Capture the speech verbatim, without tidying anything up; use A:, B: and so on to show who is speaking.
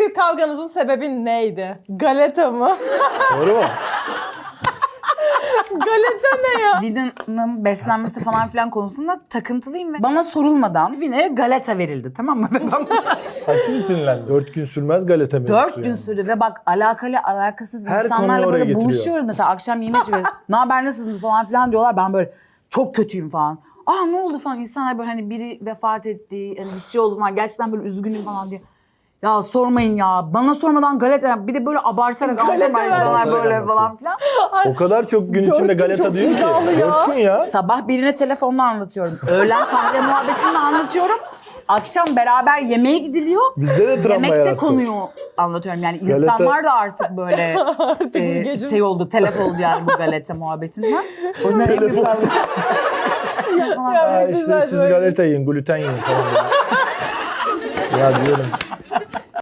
A: büyük kavganızın sebebi neydi? Galeta mı?
B: Doğru mu?
A: Galeta ne ya?
C: Vina'nın beslenmesi falan filan konusunda takıntılıyım ve bana sorulmadan Vina'ya galeta verildi, tamam mı? Ve ben
B: Aşırı sinirlendim. Dört gün sürmez galeta mevzusu
C: dört gün
B: yani.
C: sürdü ve bak alakalı alakasız
B: Her konuyu
C: insanlarla
B: oraya
C: böyle
B: getiriyor.
C: buluşuyoruz. Mesela akşam yemek yiyoruz. Ne haber, nasılsınız falan filan diyorlar. Ben böyle çok kötüyüm falan. Aa ne oldu falan. İnsanlar böyle hani biri vefat etti, hani bir şey oldu falan. Gerçekten böyle üzgünüm falan diye. Ya sormayın ya. Bana sormadan galeta, bir de böyle abartarak
A: Galeta
C: anlatıyorlar
A: ver.
C: insanlar böyle
B: Abartarak
C: falan filan.
B: O kadar çok gün
A: Dört
B: içinde
A: gün
B: galeta
A: çok
B: diyor ki.
A: iddialı ya.
B: Dört gün ya.
C: Sabah birine telefonla anlatıyorum. Öğlen kahve muhabbetini anlatıyorum. Akşam beraber yemeğe gidiliyor.
B: Bizde de travma
C: Yemekte
B: yarattı.
C: konuyu anlatıyorum. Yani
B: Galeta-
C: insanlar da artık böyle
A: Artık bu
C: e,
A: gece-
C: şey oldu, telef oldu yani bu galeta muhabbetinden. O yüzden en büyük
B: Telef
C: kavga-
A: Ya
B: Ha,
A: bir
B: işte
A: güzel
B: siz
A: böyle.
B: galeta yiyin, gluten yiyin falan. ya diyorum.